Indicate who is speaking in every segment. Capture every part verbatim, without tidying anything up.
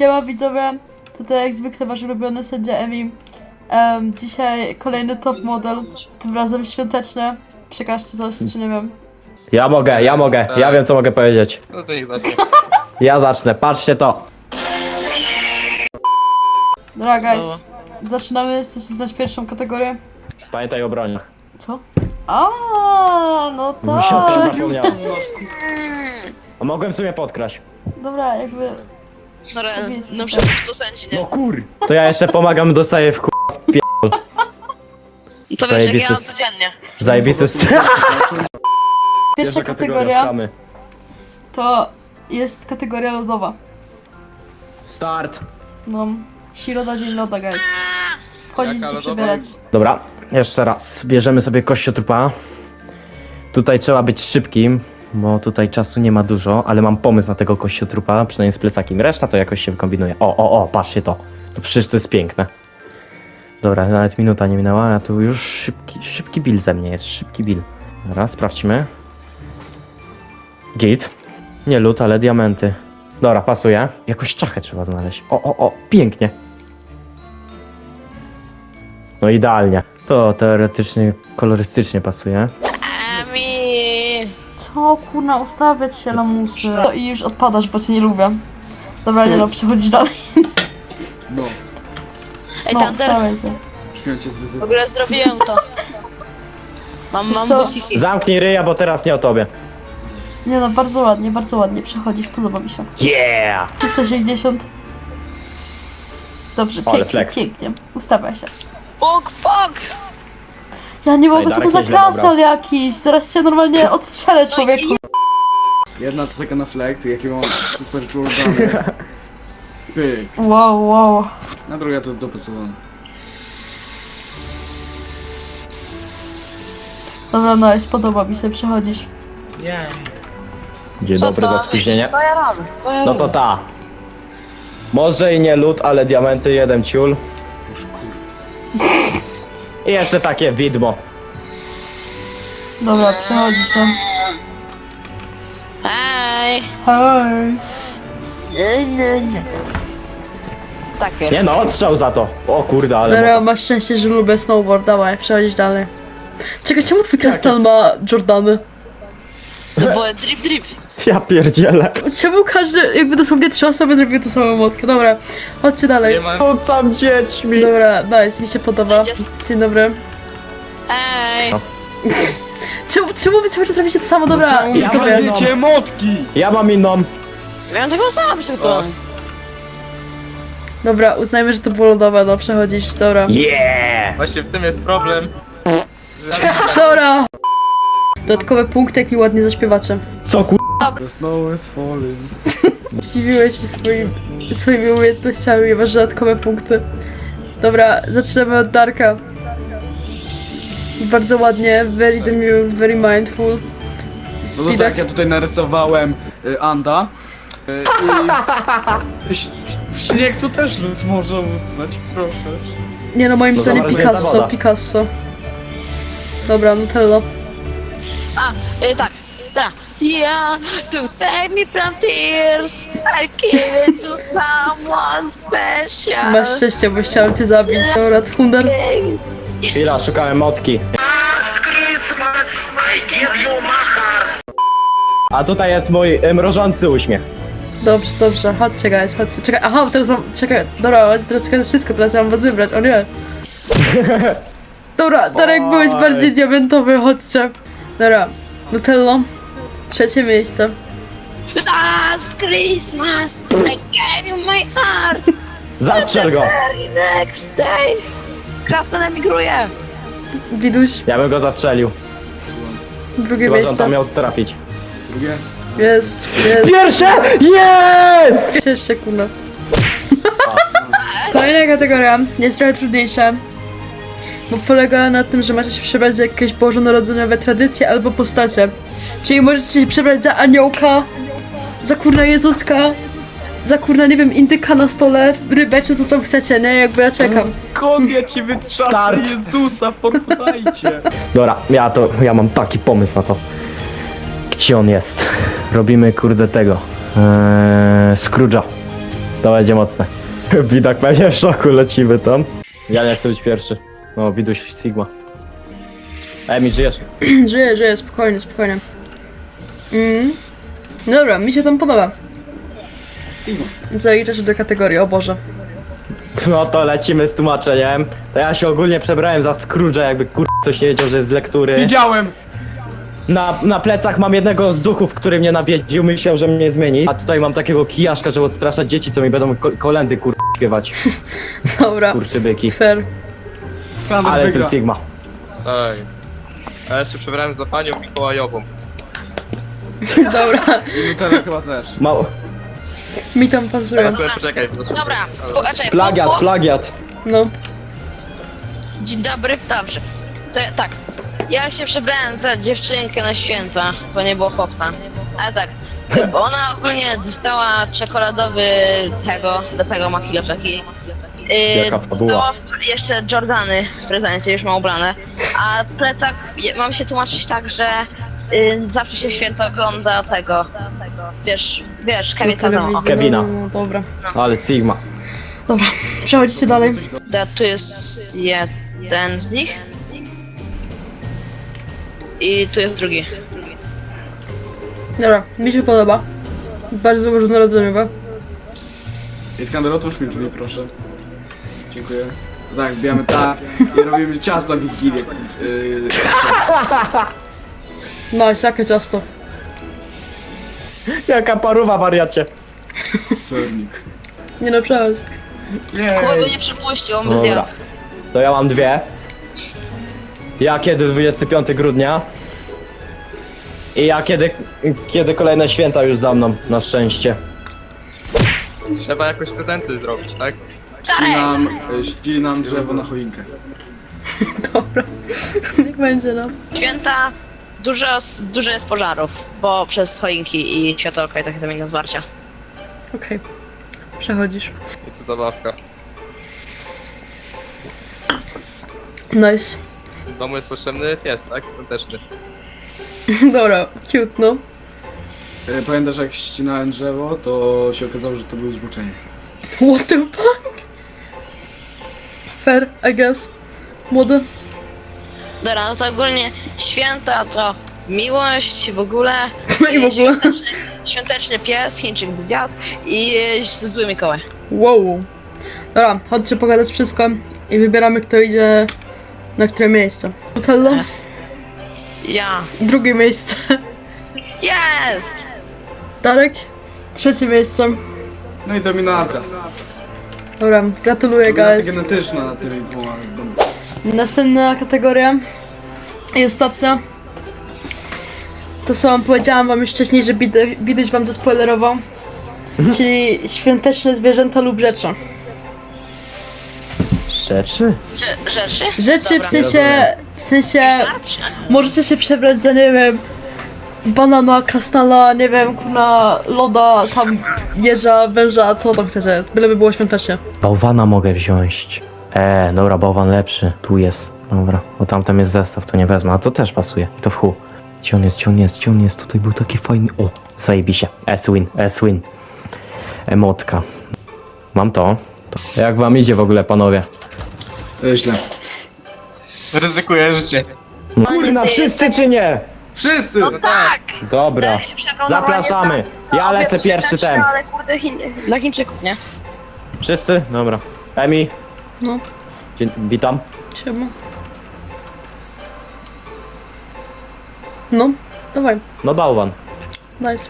Speaker 1: Siema widzowie, tutaj jak zwykle wasz ulubiony sędzia Emi. Um, dzisiaj kolejny top model, tym razem świąteczny. Przekażcie coś, czy nie wiem.
Speaker 2: Ja mogę, ja mogę, ja wiem co mogę powiedzieć.
Speaker 3: No to niech zacznie.
Speaker 2: Ja zacznę, patrzcie to.
Speaker 1: Dobra guys, zaczynamy, chcecie znać pierwszą kategorię?
Speaker 2: Pamiętaj o broniach.
Speaker 1: Co? A, no
Speaker 2: Siostra
Speaker 1: tak.
Speaker 2: zapomniała. A mogłem w sumie podkraść.
Speaker 1: Dobra, jakby...
Speaker 4: Dobra,
Speaker 1: Powiedzmy
Speaker 4: no
Speaker 1: tak.
Speaker 4: przecież sędzi, nie?
Speaker 2: No kur... To ja jeszcze pomagam, dostaję w ku...
Speaker 4: No to wiesz, jak ja
Speaker 2: zajebisty
Speaker 4: mam
Speaker 2: s-
Speaker 4: codziennie.
Speaker 2: Zajebisty s...
Speaker 1: Pierwsza kategoria
Speaker 2: szukamy.
Speaker 1: to jest kategoria lodowa.
Speaker 2: Start.
Speaker 1: No, środa, dzień loda guys. Wchodzić
Speaker 3: Jaka
Speaker 1: się
Speaker 3: lodowa?
Speaker 1: przebierać.
Speaker 2: Dobra, jeszcze raz. Bierzemy sobie kościotrupa. Tutaj trzeba być szybkim, bo tutaj czasu nie ma dużo, ale mam pomysł na tego kościotrupa, przynajmniej z plecakiem. Reszta to jakoś się wykombinuje. O, o, o, patrzcie to. To przecież to jest piękne. Dobra, nawet minuta nie minęła, a tu już szybki, szybki bill ze mnie jest, szybki bill. Dobra, sprawdźmy. Git. Nie lód, ale diamenty. Dobra, pasuje. Jakąś czachę trzeba znaleźć. O, o, o, pięknie. No idealnie. To teoretycznie, kolorystycznie pasuje.
Speaker 4: Ami.
Speaker 1: Co kurna, ustawiać się lamusy. No i już odpadasz, bo cię nie lubię. Dobra, nie no, przechodzisz dalej.
Speaker 5: No,
Speaker 4: Ej,
Speaker 1: No,
Speaker 4: Thunder,
Speaker 1: ustawiaj się.
Speaker 5: śmiał cię z
Speaker 4: w
Speaker 5: wyzywu.
Speaker 4: ogóle zrobiłem to. Mam,
Speaker 1: Wiesz
Speaker 4: mam
Speaker 1: co?
Speaker 4: buciki.
Speaker 2: Zamknij ryja, bo teraz nie o tobie.
Speaker 1: Nie no, bardzo ładnie, bardzo ładnie przechodzisz, podoba mi się.
Speaker 2: Yeah!
Speaker 1: trzysta sześćdziesiąt. Dobrze,
Speaker 2: Ale
Speaker 1: pięknie,
Speaker 2: flex.
Speaker 1: pięknie. Ustawiaj się.
Speaker 4: Pok, pok!
Speaker 1: Ja nie mogę, co to
Speaker 2: Darek
Speaker 1: za
Speaker 2: nieźle
Speaker 1: krasnal
Speaker 2: dobrał.
Speaker 1: jakiś. Zaraz cię normalnie odstrzelę, człowieku.
Speaker 5: Jedna to taka na flex, jakie mam super Jordany. Pyk.
Speaker 1: Wow, wow.
Speaker 5: Na druga to dopasowana.
Speaker 1: Dobra, nice, podoba mi się, przechodzisz.
Speaker 2: Dzień
Speaker 4: Co
Speaker 2: dobry
Speaker 4: to?
Speaker 2: za spóźnienie.
Speaker 4: Co ja robię? Co ja
Speaker 2: No to
Speaker 4: robię?
Speaker 2: ta. Może i nie lód, ale diamenty, jeden ciul.
Speaker 5: Boże kur...
Speaker 2: I jeszcze takie widmo.
Speaker 1: Dobra, przechodzisz tam.
Speaker 4: Hej!
Speaker 1: Hej.
Speaker 4: Takie.
Speaker 2: Nie no, odstrzał za to. O kurde, ale...
Speaker 1: Dobra, masz szczęście, że lubię snowboard, dawaj, przechodzisz dalej. Czekaj, czemu twój krasnal ma Jordany?
Speaker 4: No bo drip, drip.
Speaker 2: Ja pierdzielę.
Speaker 1: Czemu każdy, jakby dosłownie trzy osoby zrobiły tą samą motkę? Dobra, chodźcie dalej.
Speaker 3: Nie ma...
Speaker 2: Rzucam dziećmi.
Speaker 1: Dobra, nice, mi się podoba.
Speaker 4: Sędzia-
Speaker 1: Dzień dobry.
Speaker 4: Ej!
Speaker 2: No.
Speaker 1: Czemu, czemu wy cały czas robicie to samo? Dobra, idź
Speaker 2: ja
Speaker 1: sobie.
Speaker 2: mam-
Speaker 5: Wiecie, motki!
Speaker 2: Ja mam inną.
Speaker 4: Miałem tego sam się to.
Speaker 1: Dobra, uznajmy, że to było lodowe, no przechodzisz, dobra.
Speaker 2: Yeah!
Speaker 3: Właśnie w tym jest problem. Że...
Speaker 1: Dobra! Dodatkowe punkty, jak mi ładnie zaśpiewacie.
Speaker 2: Co kur...
Speaker 5: The snow is falling.
Speaker 1: Zdziwiłeś mnie swoim, swoimi umiejętnościami i masz dodatkowe punkty. Dobra, zaczynamy od Darka. Bardzo ładnie, very demure, very mindful.
Speaker 5: No to
Speaker 1: Widać.
Speaker 5: tak, ja tutaj narysowałem y, Anda. Y, I... ś- Śnieg to też lud może uznać, proszę.
Speaker 1: Nie no, moim
Speaker 2: To
Speaker 1: zdaniem
Speaker 2: zamarznięta
Speaker 1: Picasso,
Speaker 2: woda.
Speaker 1: Picasso. Dobra, Nutella.
Speaker 4: A, y, tak. Dobra. Yeah, to save me from tears, I give it to someone special.
Speaker 1: Masz szczęście, bo chciałam cię zabić. Dobra, Thunder.
Speaker 4: Yes.
Speaker 2: Chwila, szukałem motki. A tutaj jest mój y, mrożący uśmiech.
Speaker 1: Dobrze, dobrze, chodźcie guys, chodźcie. Czekaj, aha, teraz mam, czekaj, dobra, chodźcie, teraz czekaj, wszystko, teraz ja mam was wybrać, o nie. Dobra, Darek, byłeś
Speaker 2: Oj.
Speaker 1: bardziej diamentowy, chodźcie. Dobra, Nutello, trzecie miejsce.
Speaker 4: Last Christmas, I gave you my heart.
Speaker 2: Zastrzel go.
Speaker 4: Very next day. Krasnal emigruje.
Speaker 1: Widuś,
Speaker 2: Ja bym go zastrzelił.
Speaker 1: drugie
Speaker 2: Chyba, że on
Speaker 1: miejsce.
Speaker 2: tam miał trafić.
Speaker 5: Drugie?
Speaker 1: Jest, jest.
Speaker 2: Pierwsze! Jest!
Speaker 1: Ciesz się, kurna. Kolejna kategoria jest trochę trudniejsza, bo polega na tym, że macie się przebrać za jakieś bożonarodzeniowe tradycje albo postacie. Czyli możecie się przebrać za aniołka, za kurna Jezuska, za kurna, nie wiem, indyka na stole, rybę, czy co tam chcecie, nie? Jakby ja czekam.
Speaker 5: Skąd ja ci wytrzasnę
Speaker 2: Start.
Speaker 5: Jezusa, Fortnite?
Speaker 2: Dobra, ja to, ja mam taki pomysł na to. Gdzie on jest? Robimy kurde tego. Eee, Scrooge'a. To będzie mocne. Widok pewnie w szoku, lecimy tam. Ja nie chcę być pierwszy. No, widuś Sigma. Emi, żyjesz?
Speaker 1: Żyję, żyję, spokojnie, spokojnie. Mm. Dobra, mi się tam podoba.
Speaker 5: Sigma.
Speaker 1: Zaliczasz do kategorii, o Boże.
Speaker 2: No to lecimy z tłumaczeniem. To ja się ogólnie przebrałem za Scrooge'a, jakby kur... ktoś nie wiedział, że jest z lektury.
Speaker 5: Widziałem!
Speaker 2: Na, na plecach mam jednego z duchów, który mnie nawiedził, myślał, że mnie zmieni. A tutaj mam takiego kijaszka, żeby odstraszać dzieci, co mi będą ko kolendy kur... śpiewać.
Speaker 1: Dobra,
Speaker 2: Kurczybyki.
Speaker 1: fair.
Speaker 5: Kander
Speaker 2: Ale jestem
Speaker 5: wygra.
Speaker 2: Sigma.
Speaker 3: Ej. A ja się przebrałem za panią Mikołajową.
Speaker 1: Dobra,
Speaker 5: I Nutella chyba też.
Speaker 2: Mało.
Speaker 1: mi tam pasuje.
Speaker 3: Teraz sobie poczekaj. poczekaj.
Speaker 4: Dobra,
Speaker 3: Ale-
Speaker 4: po, czekaj,
Speaker 2: Plagiat,
Speaker 4: po, po,
Speaker 2: plagiat.
Speaker 1: No,
Speaker 4: Dzień dobry, dobrze. To ja- tak, ja się przebrałem za dziewczynkę na święta, bo nie było chłopca. Ale tak, bo ona ogólnie dostała czekoladowy tego, do tego ma kiloczeki.
Speaker 2: Jaka
Speaker 4: Yy,
Speaker 2: fabuła.
Speaker 4: dostała w, jeszcze Jordany w prezencie, już ma ubrane. A plecak, je- mam się tłumaczyć tak, że yy, zawsze się w święta ogląda tego, wiesz, wiesz, Kevin
Speaker 1: do
Speaker 4: Sadomo.
Speaker 1: telewizji,
Speaker 2: Kevina.
Speaker 1: no, no, dobra.
Speaker 2: Ale Sigma.
Speaker 1: Dobra, przechodzicie dalej.
Speaker 4: Da, tu jest jeden z nich. I tu jest drugi.
Speaker 1: Dobra, mi się podoba. Bardzo różnorodzeniowe.
Speaker 5: Iskander, otwórz mi drzwi, proszę. Dziękuję. Tak, wbijamy tak i robimy ciasto na Wigilię. Yy,
Speaker 1: Nice, jakie ciasto.
Speaker 2: Jaka paruwa, wariacie.
Speaker 5: sernik.
Speaker 1: Nie no, przechodź.
Speaker 4: Kuba by
Speaker 5: Jej!
Speaker 4: nie przypuścił, on by
Speaker 2: Dobra.
Speaker 4: zjadł.
Speaker 2: To ja mam dwie. Ja kiedy dwudziestego piątego grudnia. I ja kiedy, kiedy kolejne święta już za mną, na szczęście.
Speaker 3: Trzeba jakoś prezenty zrobić, tak?
Speaker 5: Ścinam, y, ścinam drzewo na choinkę.
Speaker 1: Dobra, niech będzie, no.
Speaker 4: Święta dużo, dużo jest pożarów, bo przez choinki i światełka i takie tam inne zwarcia.
Speaker 1: Okej, przechodzisz.
Speaker 3: I tu zabawka.
Speaker 1: Nice.
Speaker 3: W domu jest potrzebny pies, tak? Świąteczny.
Speaker 1: Dobra, cute, no.
Speaker 5: Y, Pamiętasz, jak ścinałem drzewo, to się okazało, że to był zboczeniec.
Speaker 1: What the fuck? Fair, I guess. Młody?
Speaker 4: Dobra, no to ogólnie święta to miłość w ogóle.
Speaker 1: No i w ogóle.
Speaker 4: Świąteczny, świąteczny pies, Chińczyk by zjadł i zły Mikołaj.
Speaker 1: Wow. Dobra, chodźcie pogadać wszystko i wybieramy, kto idzie na które miejsce. Nutella?
Speaker 4: Yes. Ja.
Speaker 1: Drugie miejsce.
Speaker 4: Jest!
Speaker 1: Darek? Trzecie miejsce.
Speaker 5: No i dominacja.
Speaker 1: Dobra, gratuluję,
Speaker 5: Dominacja
Speaker 1: guys.
Speaker 5: genetyczna nad tymi dwoma.
Speaker 1: Następna kategoria i ostatnia. To co wam powiedziałam wam już wcześniej, że Bidu- Biduś wam zaspoilerował. Czyli świąteczne zwierzęta lub rzeczy.
Speaker 2: Rzeczy?
Speaker 4: Rze- rzeczy?
Speaker 1: Rzeczy
Speaker 4: Dobra.
Speaker 1: w sensie, w sensie,
Speaker 4: Starczy.
Speaker 1: możecie się przebrać za, nie wiem, banana, krasnala, nie wiem, kurna, loda, tam jeża, węża, co tam chcecie, byleby było świątecznie.
Speaker 2: Bałwana mogę wziąć. Eee, dobra, bałwan lepszy. Tu jest. Dobra, bo tamten jest zestaw, to nie wezmę, a to też pasuje. I to w chuj. Gdzie on jest, gdzie on jest, gdzie on jest? Tutaj był taki fajny... O, zajebiście. S-win, S-win. Emotka. Mam to. to. Jak wam idzie w ogóle, panowie?
Speaker 5: Y, Źle.
Speaker 3: Ryzykuję życie.
Speaker 2: No, kurna, wszyscy czy nie?
Speaker 5: Wszyscy!
Speaker 4: No tak!
Speaker 2: Dobra,
Speaker 4: Darek się przebrał normalnie
Speaker 2: zapraszamy.
Speaker 4: za- za
Speaker 2: Ja lecę
Speaker 4: obiad
Speaker 2: pierwszy
Speaker 4: świąteczny,
Speaker 2: ten.
Speaker 4: Ale kurde, Chin... dla Chińczyków, nie?
Speaker 2: Wszyscy? Dobra. Emi?
Speaker 1: No,
Speaker 2: Dzień, witam.
Speaker 1: siema. No, dawaj,
Speaker 2: No bałwan.
Speaker 1: nice.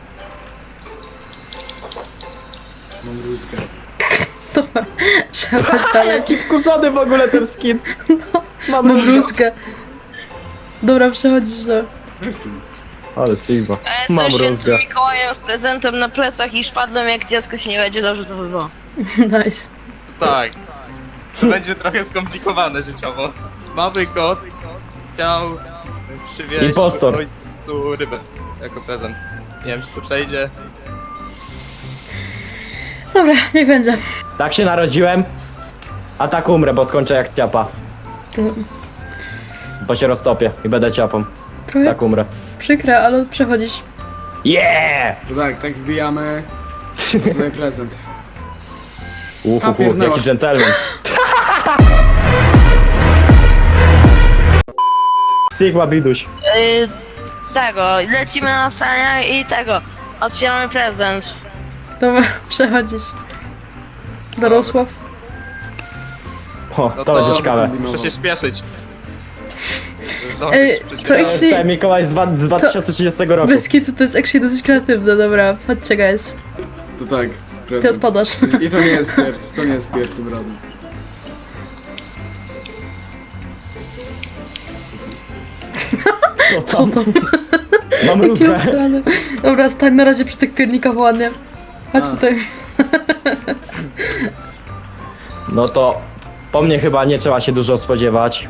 Speaker 5: Mam rózgę.
Speaker 1: Dobra, przechodź dalej.
Speaker 2: Jaki wkurzony w ogóle ten skin.
Speaker 1: Mam bluzkę. Dobra, przechodzisz do...
Speaker 5: Wszyscy.
Speaker 2: Ale Sigma.
Speaker 4: Ja jestem
Speaker 2: Mam
Speaker 4: świętym
Speaker 2: rózgę.
Speaker 4: Mikołajem z prezentem na plecach i szpadłem jak dziecko się nie będzie dobrze zachowywało.
Speaker 1: Nice.
Speaker 3: Tak. To będzie trochę skomplikowane życiowo. Mały kot chciał przywieźć
Speaker 2: Impostor.
Speaker 3: ojcu rybę jako prezent. Nie wiem, czy to przejdzie.
Speaker 1: Dobra, niech będzie.
Speaker 2: Tak się narodziłem, a tak umrę, bo skończę jak ciapa.
Speaker 1: To
Speaker 2: Bo się roztopię i będę ciapą.
Speaker 1: trochę
Speaker 2: Tak umrę.
Speaker 1: przykre, ale przechodzisz.
Speaker 2: Yeah!
Speaker 5: To tak, tak wbijamy. To tutaj prezent.
Speaker 2: Uhu,
Speaker 5: A, pierdnęła.
Speaker 2: jaki dżentelmen. Sigma Biduś.
Speaker 4: Yy, z tego, lecimy na saniach i tego. Otwieramy prezent.
Speaker 1: Dobra, przechodzisz. Dorosław.
Speaker 2: O,
Speaker 3: No
Speaker 2: to będzie ciekawe.
Speaker 3: Muszę się śpieszyć.
Speaker 1: Ej, to
Speaker 2: To jest
Speaker 1: actually-
Speaker 2: ten Mikołaj z, dwa- z dwa tysiące trzydziestego roku.
Speaker 1: Bez kitu to jest actually dosyć kreatywne, dobra. Chodźcie guys.
Speaker 5: To tak,
Speaker 1: Ty
Speaker 5: prezent.
Speaker 1: odpadasz.
Speaker 5: I to nie jest pierd, to nie jest pierd tym razem.
Speaker 2: Co
Speaker 1: Co
Speaker 2: tam?
Speaker 1: to?
Speaker 2: Mam
Speaker 1: Jakie
Speaker 2: rózgę.
Speaker 1: obsrane. Dobra, stań na razie przy tych piernikach ładnie. Chodź
Speaker 5: A.
Speaker 1: tutaj.
Speaker 2: No to po mnie chyba nie trzeba się dużo spodziewać.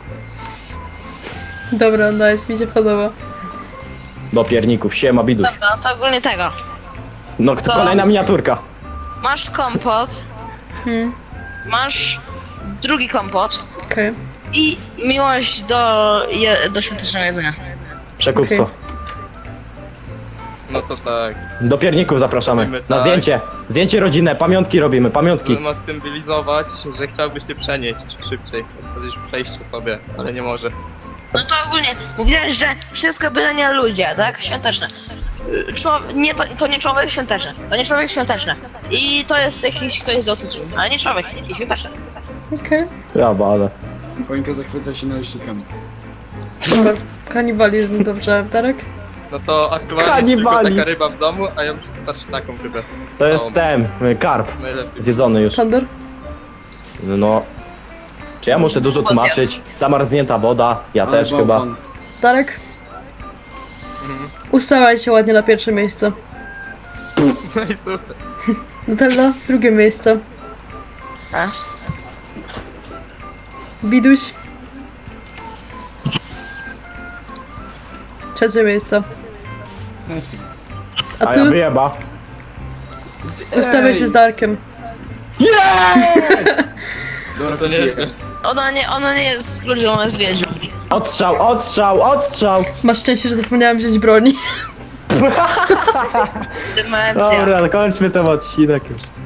Speaker 1: Dobra, nice, mi się podoba.
Speaker 2: Do pierników. Siema Biduś.
Speaker 4: Dobra, no to ogólnie tego.
Speaker 2: No to
Speaker 4: To-
Speaker 2: kolejna miniaturka.
Speaker 4: Masz kompot,
Speaker 1: Hmm,
Speaker 4: masz drugi kompot
Speaker 1: okej.
Speaker 4: i miłość do, je, do świątecznego jedzenia.
Speaker 2: Przekupstwo.
Speaker 1: Okej.
Speaker 3: No to tak.
Speaker 2: Do pierników zapraszamy.
Speaker 3: Robimy
Speaker 2: Na
Speaker 3: tak.
Speaker 2: zdjęcie. Zdjęcie rodzinne, pamiątki robimy, pamiątki.
Speaker 3: Ma stylizować, że chciałbyś się przenieść szybciej. Powiedzieć przejść sobie, ale nie może.
Speaker 4: No to ogólnie mówiłeś, że wszystko byle nie ludzie, tak? Świąteczne. Y, Człowiek, nie, to, to nie człowiek świąteczny. To nie człowiek świąteczny. I to jest jakiś ktoś z autyzmem, ale nie człowiek, jakiś świąteczny.
Speaker 1: Okej,
Speaker 2: Ja bada.
Speaker 5: Choinka zachwyca się naleśnikami.
Speaker 1: super. Kanibalizm, dobrze. Darek?
Speaker 3: No to aktualnie jest tylko
Speaker 2: Kanibalizm.
Speaker 3: taka ryba w domu, a ja muszę dostać taką rybę.
Speaker 2: To jest ten, y, karp.
Speaker 3: Najlepiej.
Speaker 2: Zjedzony już.
Speaker 1: Thunder?
Speaker 2: No. Czy ja muszę dużo
Speaker 4: Chyba zjadł.
Speaker 2: tłumaczyć? Zamarznięta woda, ja
Speaker 5: Ale
Speaker 2: też
Speaker 5: bałwan.
Speaker 2: chyba.
Speaker 1: Darek?
Speaker 3: Mhm.
Speaker 1: Ustawaj się ładnie na pierwsze miejsce.
Speaker 3: No i super.
Speaker 1: Nutella, drugie miejsce.
Speaker 4: Raz.
Speaker 1: Biduś. Trzecie miejsce. A
Speaker 2: A ja
Speaker 1: ty?
Speaker 2: wyjeba.
Speaker 1: Ustawiaj się z Darkiem.
Speaker 5: Dobra,
Speaker 3: To nieźle.
Speaker 4: Ona nie, ona nie jest ludzią, ona jest wiedźmą.
Speaker 2: Odstrzał, odstrzał, odstrzał!
Speaker 1: Masz szczęście, że zapomniałam wziąć broni.
Speaker 4: Demencja.
Speaker 2: Dobra, kończmy ten odcinek już.